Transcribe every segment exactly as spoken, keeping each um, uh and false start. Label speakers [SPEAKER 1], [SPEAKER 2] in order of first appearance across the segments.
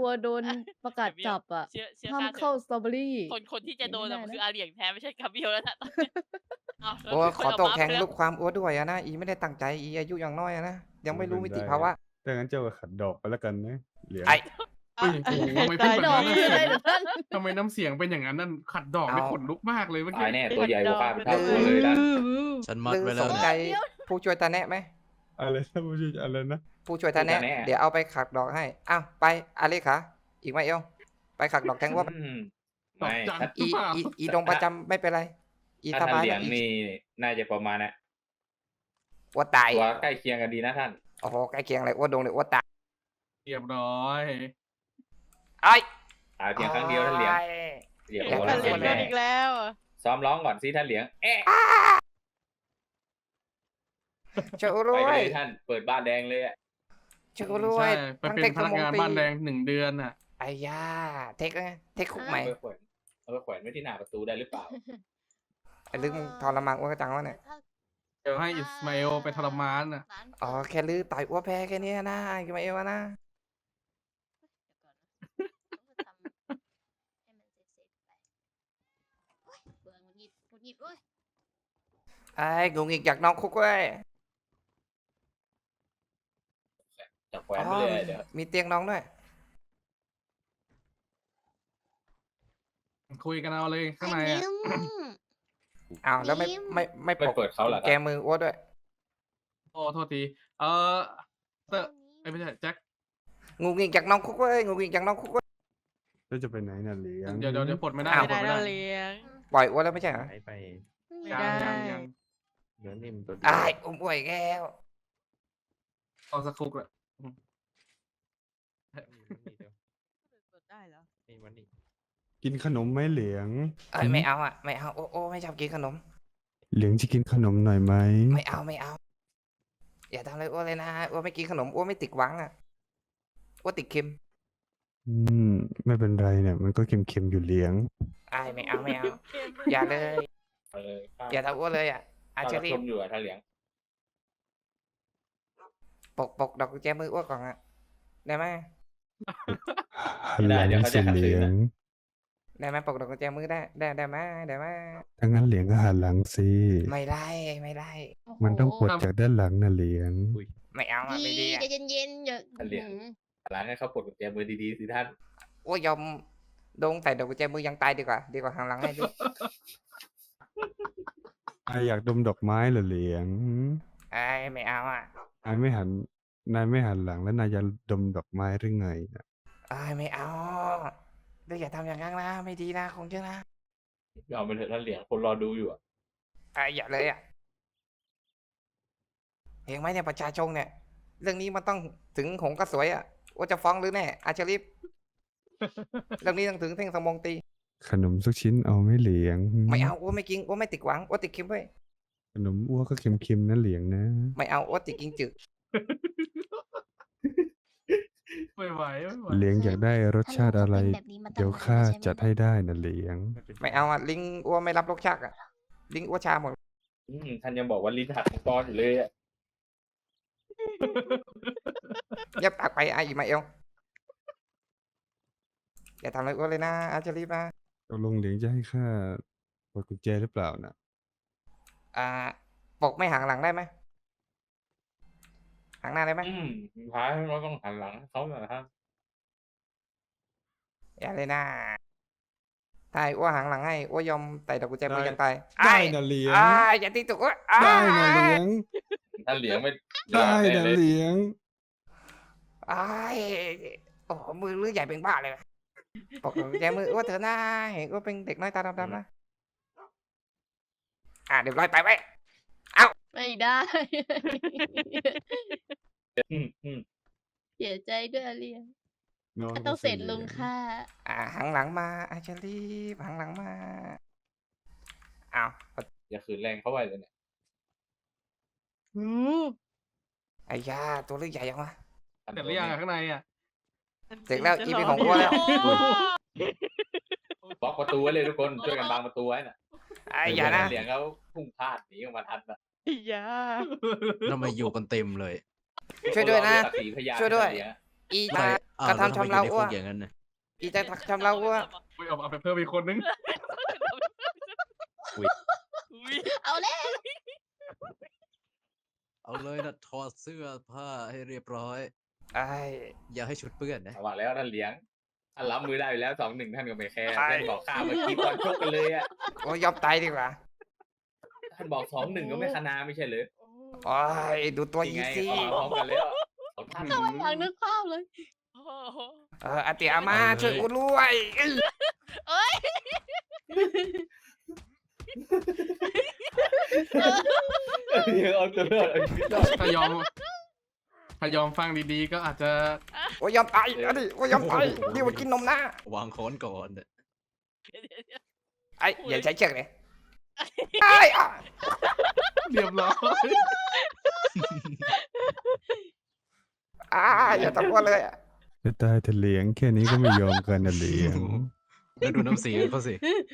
[SPEAKER 1] วโดนประกาศจับอะ
[SPEAKER 2] เชื่อเชื่อ
[SPEAKER 1] ห้าม
[SPEAKER 2] ข้าเถ
[SPEAKER 1] เข้า
[SPEAKER 2] อะ
[SPEAKER 1] สตรอเบอรี่
[SPEAKER 2] คนคนที่จะโดนอะมัน
[SPEAKER 1] ไม่ได้นะ
[SPEAKER 2] คืออาเหลียงแท้ไม่ใช่กาเบรียลแล้วนะตอนเนี้ยอ้าวแล้ว
[SPEAKER 3] โอ้
[SPEAKER 2] มีค
[SPEAKER 3] ขอโทษ
[SPEAKER 2] นเอาม้า
[SPEAKER 3] แทน
[SPEAKER 2] ไปแล้ว
[SPEAKER 3] ลูกความอ้วด้วยอะนะอีไม่ได้ตั้งใจอีอายุยังน้อยอะนะยังไม่รู้มิติภาวะ
[SPEAKER 4] ถ้างั้นเจ้าก็ขัดดอกไปแล้วกันนะเหลียง
[SPEAKER 3] ไอ้
[SPEAKER 5] เฮ้ยโอ้โหทำไมพูดแบบ
[SPEAKER 1] ดอก
[SPEAKER 5] นั้น
[SPEAKER 1] คืออะไร
[SPEAKER 5] น่ะ
[SPEAKER 1] เหรอท่าน
[SPEAKER 5] ทำไมน้ำเสียงเป็นอย่างนั้นนั่นขัดดอกไม่ขนลุกมากเลยเมื่อกี้
[SPEAKER 6] ตายแน่ตัวใหญ่กว่าข้าเป็น
[SPEAKER 3] ดื้
[SPEAKER 6] เท่า
[SPEAKER 3] อ
[SPEAKER 6] ตัวเลยนะ
[SPEAKER 7] ฉันมัด
[SPEAKER 3] ลือ
[SPEAKER 7] ไว้
[SPEAKER 3] ส
[SPEAKER 7] แล้ว
[SPEAKER 3] น
[SPEAKER 7] นะ
[SPEAKER 3] ใจผู้ช่วยตาแนะไหม
[SPEAKER 4] อะไรนะผู้ช่วยอะไรนะ
[SPEAKER 3] ผู้ช่วยตาแนะ
[SPEAKER 6] ผู้ช่วยตาแนะ
[SPEAKER 3] เดี๋ยวเอาไปขัดดอกให้อ้าวไปอาเลขาอีกไหมเอวไปขัดดอกแทงว่า
[SPEAKER 6] อืม
[SPEAKER 5] ดอก
[SPEAKER 6] ไม่
[SPEAKER 5] จัน
[SPEAKER 6] ถ้า
[SPEAKER 3] อีอีอีดงประจำไม่เป็นไร อีส
[SPEAKER 6] ถ้าท่า
[SPEAKER 3] บาน ย
[SPEAKER 6] เหลียง
[SPEAKER 3] นะอี
[SPEAKER 6] นี่น่าจะประมาณนะ
[SPEAKER 3] อ้วตาย
[SPEAKER 6] ตัวใกล้เคียงกันดีนะท่าน
[SPEAKER 3] โอ้โหใกล้เคียงเลยอ้วดงเลยอ้วตาย
[SPEAKER 5] เรียบร้อย
[SPEAKER 3] ไอ้ย
[SPEAKER 6] ตายเพียงครั้งเดียวท่านเหลียงเหลียง
[SPEAKER 3] อยาก
[SPEAKER 6] โอ้
[SPEAKER 3] จะ
[SPEAKER 6] แล้ว
[SPEAKER 3] เรียน
[SPEAKER 6] แน่
[SPEAKER 2] อีกแล้วอะ
[SPEAKER 6] ซ้อมร้องก่อนสิท่านเหลียงเอ๊ะ
[SPEAKER 3] เจ้า
[SPEAKER 6] ไป
[SPEAKER 3] รว
[SPEAKER 6] กันเลย ยท่านเปิดบ้านแดงเลยอะ
[SPEAKER 3] เจ้ารว
[SPEAKER 5] ใช่
[SPEAKER 3] ย
[SPEAKER 5] ไป
[SPEAKER 3] ทั้ง
[SPEAKER 5] เป็
[SPEAKER 3] เท
[SPEAKER 5] น
[SPEAKER 3] ค
[SPEAKER 5] พนักงาน
[SPEAKER 3] ทั้งม
[SPEAKER 5] บ้าน
[SPEAKER 3] ต
[SPEAKER 5] แด
[SPEAKER 3] รี
[SPEAKER 5] งหนึ่งเดือนน่ะ
[SPEAKER 3] ไอ้ย่าเทคไงเทคคุกใหม่
[SPEAKER 6] เอาไปแขวนเอาไปแขวนไว้ที่หน้าประตูได้หรือเปล่า
[SPEAKER 3] ไอ้ลึกมึงทรมานอ้วกจังวะเนี่ย
[SPEAKER 5] เดี๋ยวให้อิสมาเอลไปทรมานน่ะ
[SPEAKER 3] อ๋อแค่ลือต่อยอ้วแพ้แค่เนี้ยนะไอ้มาเอวะนะ ไอ้งงอีกอยากนอนคุกเว้ย
[SPEAKER 6] จะแขวนไปเลยเดี๋ยว
[SPEAKER 3] มีเตียงนอนด้วย
[SPEAKER 5] คุยกันเอาเลยข้างในอ่ะ
[SPEAKER 3] อ้าวแล้วไม่ไม่ไม่
[SPEAKER 6] ไม่
[SPEAKER 3] ปลด
[SPEAKER 6] เปิดเขาเหรอค
[SPEAKER 3] แก
[SPEAKER 6] รับ
[SPEAKER 3] มืออ้วด้วย
[SPEAKER 5] โอ้โทษที เออเตอร์เอ้ยไม่ใช่แจ็ค
[SPEAKER 3] งงอีกอยากนอนคุกเว้ยงงอีกอยากนอนคุกเว้ย
[SPEAKER 4] เจ้าจะไปไหนน่ะเหลียง
[SPEAKER 5] เดี๋ยวเดี๋ยวเดี๋ยวปลดไม่ได้
[SPEAKER 3] อ้าว
[SPEAKER 5] ปล
[SPEAKER 2] ไม่
[SPEAKER 5] ด
[SPEAKER 2] ได้
[SPEAKER 5] ไม่
[SPEAKER 2] เรา
[SPEAKER 5] ได้
[SPEAKER 2] เลี้ยง
[SPEAKER 3] ปล่อยอ้วแล้วไม่ใช่เหรอ
[SPEAKER 7] ไปไป
[SPEAKER 2] ไม่
[SPEAKER 5] ยัง
[SPEAKER 2] ได้
[SPEAKER 5] ยังยัง
[SPEAKER 7] เนื้อนิ่มตัวเดี
[SPEAKER 3] ไอ้ายอุ้มอ้วยแก้ว
[SPEAKER 5] เอาสักคุกแหละ
[SPEAKER 2] ได้เหรอ
[SPEAKER 7] นี่มันนี่
[SPEAKER 4] กินขนมไหมเหลียง
[SPEAKER 3] เอ้ยไม่เอาอ่ะไม่เอาโอ้โอ้ไม่ชอบกินขนม
[SPEAKER 4] เหลียงจะกินขนมหน่อยไหม
[SPEAKER 3] ไม่เอาไม่เอา อย่าทำอะไรอ้วเลยนะอ้วไม่กินขนมอ้วไม่ติดหวังอ่ะอ้วติดเค็ม
[SPEAKER 4] อืมไม่เป็นไรเนี่ยมันก็เค็มๆอยู่เหลียง
[SPEAKER 3] ไอ้ายไม่เอาไม่เอา อย่าเลย
[SPEAKER 6] เออข้า
[SPEAKER 3] อย่าทำอ้วเลยอ่ะอา
[SPEAKER 6] ข้า
[SPEAKER 3] เชอ
[SPEAKER 6] รับ
[SPEAKER 3] รี่
[SPEAKER 6] ชมอยู่อะท่านเหลียง
[SPEAKER 3] ปกปกดอกกุญแจมืออ้วก่อนอ่ะได้ไหม
[SPEAKER 4] หันหลังสิเหลียง
[SPEAKER 3] ได้ไหมปกดอกกุญแจมือได้ได้ได้ไหมได้ไหม
[SPEAKER 4] ถ้างั้นเหลียงก็หันหลังสิ
[SPEAKER 3] ไม่ได้ไม่ได้
[SPEAKER 4] มันต้องปลดจากด้านหลังน่ะเหลียง
[SPEAKER 3] ไม่เอาอ่ะไม่ดี
[SPEAKER 1] ดี
[SPEAKER 3] อ่ะ
[SPEAKER 1] ใจเย็นๆอย่า
[SPEAKER 6] ท่านเหลียงหลังให้เขาปลดกุญแจมือดีๆสิท่าน
[SPEAKER 3] อ้วยยอมโดงใส่ดอกกุญแจมือยังตายดีกว่า ดีกว่าหันหลังให้ดู
[SPEAKER 4] นายอยากดมดอกไม้เหรอเหลียงหืม
[SPEAKER 3] ไอ้ยไม่เอาอ่ะ
[SPEAKER 4] นายไม่หันนายไม่หันหลังแล้วนายจะดมดอกไม้หรือไงน่ะ
[SPEAKER 3] ไอ้ยไม่เอาเดี๋ยวอย่าทำอย่างนั้นนะไม่ดีนะคงเชื่อนะ
[SPEAKER 6] ยอมไปเถอะท่านเหลียงคนรอดูอยู่อะ
[SPEAKER 3] ไอ้ยอย่าเลยอ่ะเห็นไหมเนี่ยประชาชนเนี่ย เรื่องนี้มันต้องถึงหงส์กระสวยอ่ะว่าจะฟ้องหรือแน่อาชริฟ เรื่องนี้ต้องถึงเท่งสมองตี
[SPEAKER 4] ขนมสักชิ้นเอาไหม่เหลียงหืม
[SPEAKER 3] ไม่เอาอ้วไม่กินอ้วไม่ติดหวังอ้วติดเค็มเว้ย
[SPEAKER 4] ขนมอ้วกก็เค็มๆนะเหลียงนะ
[SPEAKER 3] ไม่เอาอ้วติดกินจืด
[SPEAKER 5] ไม่ไหวไม่ไหว
[SPEAKER 4] เหลียงอยากได้รสชาติอะไร เดี๋ยวข้าจัดให้ได้นะเหลียง
[SPEAKER 3] ไม่เอาอ่ะลิงอ้วไม่รับรสชาติอ่ะลิงอ้วชาหมด
[SPEAKER 6] อืมท่านยังบอกว่าลิ้นหักมังกรอยู่เลยอะ
[SPEAKER 3] เย็บปากไปไอ้อีมาเอลอย่าทำอะไรอ้วเลยนะอาชริฟนะ
[SPEAKER 4] ตกลงเหลียงจะให้ข้าปลดกุญแจหรือเปล่านะ
[SPEAKER 3] อ่าปกไม่หังหลังได้ไหมหังหน้าได้ไหม
[SPEAKER 6] อืมท้ายเราต้องหันหลังให้เขาหน่อยท่าน
[SPEAKER 3] อย่าเลยนะถ้าไอ้อ้วหังหลังให้อ้วยอมไต่ดอกกุญแจมือ
[SPEAKER 4] ได้
[SPEAKER 3] ยังตาย
[SPEAKER 4] ได้
[SPEAKER 3] อ้าย
[SPEAKER 4] นะเหลียง
[SPEAKER 3] อ้ายอย่าตีตุกอ้วยอ้า
[SPEAKER 4] ได้
[SPEAKER 3] ย
[SPEAKER 4] นะเหลียง
[SPEAKER 6] ท่านเหลียงไม่
[SPEAKER 4] ได้นะ
[SPEAKER 6] เลย
[SPEAKER 4] เหลียง
[SPEAKER 3] อ้ายโอ้โหมือเลือใหญ่เป็นบ้าเลยว่ะปกดอกกุญแจมืออ้วเถอะนะเห็นอ้วเป็นเด็กน้อยตาดำๆนะอ่าเดี๋ยวร้อยไปไว้
[SPEAKER 1] ไม่ได้
[SPEAKER 6] อืมอืม
[SPEAKER 1] เสียใจด้วยอาเลียง
[SPEAKER 4] นอน
[SPEAKER 1] ก็ต้องเสร็จลุง
[SPEAKER 4] หย
[SPEAKER 1] ค่ะ
[SPEAKER 3] อ่าหังหลังมาอาชลีฟหังหลังมาอ้าว
[SPEAKER 6] อย่าขืนแรงเขาไว้เลยเนี่ย
[SPEAKER 2] อืม
[SPEAKER 3] ไอ้ยาตัวเลือใหญ่ยังวะ
[SPEAKER 5] เสร็จหรือยังอะข้างในอ่ะ
[SPEAKER 3] เสร็จแล้วอีเป็นของอ้วแล้ว
[SPEAKER 6] บล็อกประตูไว้เลยทุกคนช่วยกันบังประตูไว้น่ะ
[SPEAKER 3] ไอ้ยานะ
[SPEAKER 6] เหลียงเขาพุ่งพลาดหนีออกมาทันนะ
[SPEAKER 2] อย่า
[SPEAKER 7] ทำไมอยู่กันเต็มเลย
[SPEAKER 3] ช่วยด้วยนะ
[SPEAKER 6] ศักดิ์ศรีพยาน
[SPEAKER 3] ช่วยด้วย
[SPEAKER 6] เหลีง
[SPEAKER 3] อี
[SPEAKER 7] ใคร
[SPEAKER 3] ตา
[SPEAKER 7] อ้าว
[SPEAKER 3] กระ
[SPEAKER 7] แล้วทำไม
[SPEAKER 3] ทำชำ
[SPEAKER 7] อยู่
[SPEAKER 3] เรา
[SPEAKER 7] ในคุ
[SPEAKER 3] อ้ว
[SPEAKER 7] กอย่างนั้นน่ะ
[SPEAKER 3] อีจะทำเราอ้ว
[SPEAKER 5] ไปเอาเอาไปเพิ่มอีกคนนึง
[SPEAKER 2] อุ๊ย
[SPEAKER 1] เอาแล้ว
[SPEAKER 7] เอาเลยนะถอดเสื้อผ้าให้เรียบร้อย
[SPEAKER 3] ไอ้
[SPEAKER 7] อย่าให้ชุดเปื้อนนะ
[SPEAKER 6] เอาว่าแล้วท่านเหลียงท่านรับมือได้อยู่แล้วสองหนึ่งท่านก็ไม่แคร์
[SPEAKER 3] ใช่
[SPEAKER 6] ท่านบอกข้าเมื่อกี้ก่อนชกกันเลยอ่ะ
[SPEAKER 3] โอ้ยยอมตายดีกว่า
[SPEAKER 6] ท่านบอกสองหนึ่งก็ไม่คณาไม่ใช่เหรือ
[SPEAKER 3] โอ้ยดูตัว
[SPEAKER 6] ยัง
[SPEAKER 3] ยี
[SPEAKER 6] ไง
[SPEAKER 3] สิ
[SPEAKER 6] เขามาพร้อมกันแล้วสองท่าน
[SPEAKER 1] ทำไมอยากนึกภาพเลย
[SPEAKER 2] โอ้โห
[SPEAKER 3] เอออาเตียมาช่วยกูด้วยอื้อ
[SPEAKER 2] เอ้ย
[SPEAKER 6] เดี๋ยวเอาตัวรอดเอาชีวิตรอด
[SPEAKER 5] ถ้ายอมถ้ายอมฟังดีๆ ก็อาจจะ
[SPEAKER 3] โอ้ยยอมตายเอาดิโอ้ยยอมตายนี่มันกินนมนะ
[SPEAKER 7] วางค้อนก่อนน่ะ
[SPEAKER 2] เดี๋ยวเดี๋ยวเดี๋ยว
[SPEAKER 3] ไอ้อย่าใช้เชือกเลยไอ้อ่ะ
[SPEAKER 5] เรียบร้อย
[SPEAKER 3] อ่าอย่าตะโกนเลยอ่ะ
[SPEAKER 4] จะตายแต่เหลียงแค่นี้ก็ไม่ยอมกันนะเหลียง
[SPEAKER 7] แล้วดูน้ำเสียงเขาสิ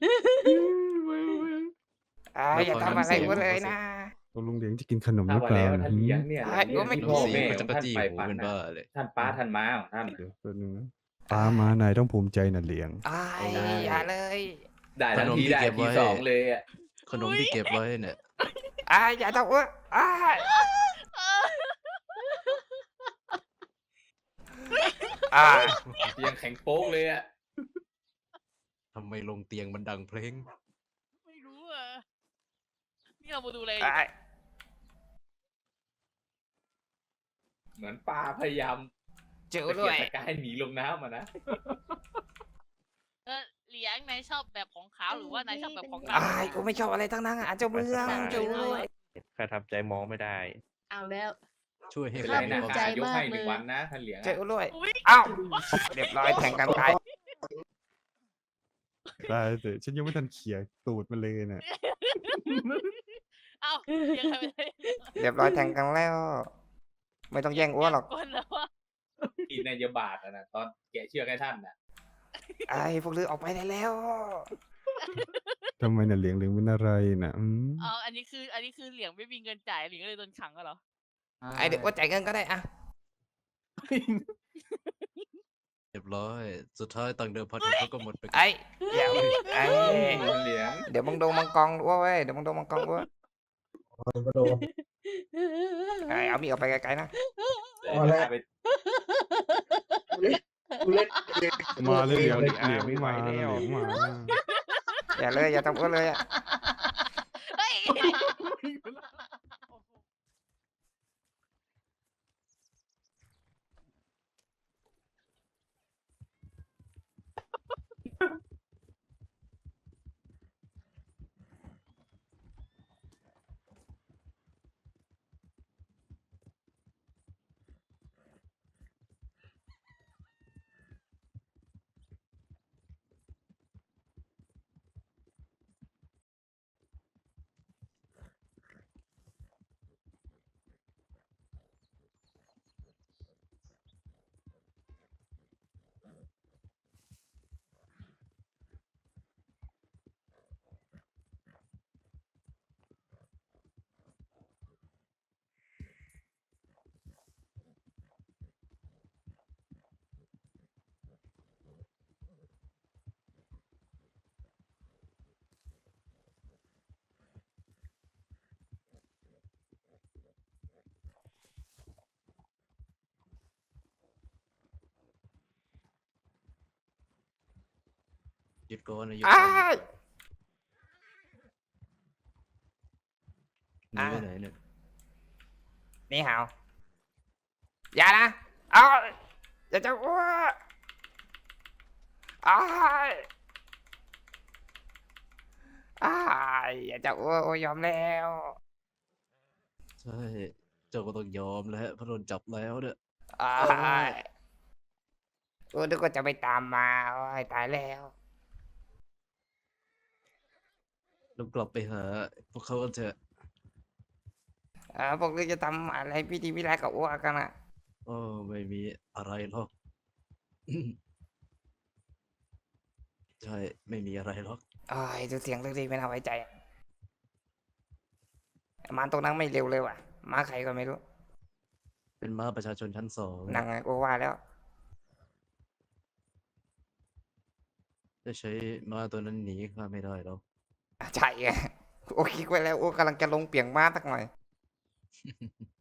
[SPEAKER 3] อ่าอย่าทำอะไรกูเลยนะ
[SPEAKER 4] ตกลงเหลียงจะกินขนมห
[SPEAKER 6] ถ้า
[SPEAKER 4] รือ
[SPEAKER 6] ว่า
[SPEAKER 4] เปล่า
[SPEAKER 6] แล้ว
[SPEAKER 4] นะ
[SPEAKER 6] ท่านเหลียงเนี่ย
[SPEAKER 3] ไอ้กูไม่
[SPEAKER 6] พ่อ
[SPEAKER 7] เสีย
[SPEAKER 6] แม่
[SPEAKER 7] ง
[SPEAKER 6] ข
[SPEAKER 7] ก็
[SPEAKER 6] อง
[SPEAKER 7] จะกระ
[SPEAKER 6] ท่าน
[SPEAKER 7] จี้
[SPEAKER 6] ไป
[SPEAKER 7] หู
[SPEAKER 6] ฝัน
[SPEAKER 7] เป็น
[SPEAKER 6] นะ
[SPEAKER 7] บ้าเลย
[SPEAKER 6] ท่านป้าท่านม้าของท่าน
[SPEAKER 4] เดี๋ยวแป๊บนึงนะปามาไหนต้องภูมิใจนะเหลียง
[SPEAKER 3] ไอ้อย่าเลย
[SPEAKER 6] ได้ทันทีได้ทีสองเลยอ่ะ
[SPEAKER 7] ขนมที่เก็บไว้เนี่ย
[SPEAKER 3] ไอ้อย่าตะโกนไอ้อ่า
[SPEAKER 6] ยังแข็งโป๊กเลยอ่ะ
[SPEAKER 7] ทำไมลงเตียงมันดังเพลง
[SPEAKER 2] ไม่รู้อ่ะ นี่เรามาดูอะไร
[SPEAKER 3] ไอ้
[SPEAKER 6] เหมือนปลาพยายาม
[SPEAKER 3] เจอ
[SPEAKER 6] ตะ
[SPEAKER 3] ด้
[SPEAKER 6] เกี
[SPEAKER 3] วย
[SPEAKER 6] ยกตะกายหนีลงน้ำอ่ะนะ
[SPEAKER 2] เออเหลียงนายชอบแบบของขาวหรือว่านายชอบแบบของด
[SPEAKER 3] ไอ้กูไม่ชอบอะไรทั้งนั้นอ่ะเจ้าเมืองเจ้าด้วย
[SPEAKER 8] ข้าทำใจมองไม่ได้
[SPEAKER 1] เอาแล้ว
[SPEAKER 7] ช่วยให้
[SPEAKER 6] เป็น
[SPEAKER 7] ค
[SPEAKER 6] ไร
[SPEAKER 7] วาม
[SPEAKER 6] นะ
[SPEAKER 7] มีความ
[SPEAKER 6] ข้า
[SPEAKER 7] สุข
[SPEAKER 6] ยกให้
[SPEAKER 1] มาก
[SPEAKER 6] หนึ่ง
[SPEAKER 1] เลย
[SPEAKER 6] วันนะท่านเหลียง
[SPEAKER 3] เจ
[SPEAKER 6] อะ
[SPEAKER 3] อด้วย
[SPEAKER 2] อุ๊ย
[SPEAKER 3] เอ้าเรียบร้อยแทงกันตาย
[SPEAKER 4] ตายแต่ฉันยังไม่ทันเขี่ยตูดมันเลยน่ะ
[SPEAKER 2] เอ้าเหลียงใครไปได้
[SPEAKER 3] เรียบร้อยแทงกันแล้ว ไม่ต้องแย่งอ้วนหรอก
[SPEAKER 2] ก้นแล้วว่า
[SPEAKER 6] กินในยาบาทอะนะตอนแกะเชือกให้ท่านน่ะ
[SPEAKER 3] ไอ้พวกลือออกไปได้แล้ว
[SPEAKER 4] ทำไมน่ะเหลียงเหลียงเป็นอะไรน่ะอืม
[SPEAKER 2] เอออันนี้คือ อันนี้คือเหลียงไม่มีเงินจ่ายเหลียงก็เลยโดนขังก็เหรอ
[SPEAKER 3] ไอ้เด็กว่าจ่ายเงินก็ได้อะ
[SPEAKER 7] เรียบร้อย สุดท้ายตังค์เดิมพันของเขาก็หมดไปกับ
[SPEAKER 3] ไอ้เดี๋ยวไอ้
[SPEAKER 6] ท่านเหลียง
[SPEAKER 3] เดี๋ยวมึงโดนมังกรด้วยเว้ยเดี๋ยวมึงโดนมังกรด้วยไอ้เอามีดออกไปไกลๆนะ
[SPEAKER 6] เดี๋ยวจะพาไป
[SPEAKER 4] มาเลยเหลียง
[SPEAKER 8] เดี๋
[SPEAKER 4] เห
[SPEAKER 8] ยว
[SPEAKER 4] ลียง
[SPEAKER 8] ไม่ไหว
[SPEAKER 4] มาเหลี
[SPEAKER 8] แล้ว
[SPEAKER 4] ยงมา
[SPEAKER 3] อย่าเลยอย่าทำอ้วนเลยอะ
[SPEAKER 2] เฮ้ย
[SPEAKER 7] หยุดก่อนนะหยุด
[SPEAKER 3] ไอ้
[SPEAKER 7] ก่อนหนีไปไหนเนี่ย
[SPEAKER 3] นี่หาวอย่านะเอาอย่าจะอ้วนไอ้ไอ้อย่าจะอ้วนโอ้ยยอมแล้ว
[SPEAKER 7] ใช่ เจ้าก็ต้องยอมแล้วเพราะโดนจับแล้วเนี่ย
[SPEAKER 3] ไอ้กูนึกว่าจะไปตามมาโอ้ยตายแล้ว
[SPEAKER 7] ต้องกลับไปหาพวกเขากันเถอะ
[SPEAKER 3] อ่าพวกนี้จะทำอะไรพิธีพิธีกับอ้วกันอ่ะ
[SPEAKER 7] โอ้ไม่มีอะไรหรอก ใช่ ไม่มีอะไรหรอก
[SPEAKER 3] โอ้ยดูเสียงเรื่องนี้ไม่น่าไว้ใจอะมาตรงนั้นไม่เร็วเลยว่ะมาใครก็ไม่รู้
[SPEAKER 7] เป็นม้าประชาชนชั้นสอง
[SPEAKER 3] นั่งไงกูว่าแล้ว
[SPEAKER 7] จะใช้ม้าตัวนั้นหนีข้าไม่ได้แล้ว
[SPEAKER 3] อ่ะใช่ไงโอ้คิดไว้แล้วโอ้กำลังจะลงเปียงม้าสักหน่อย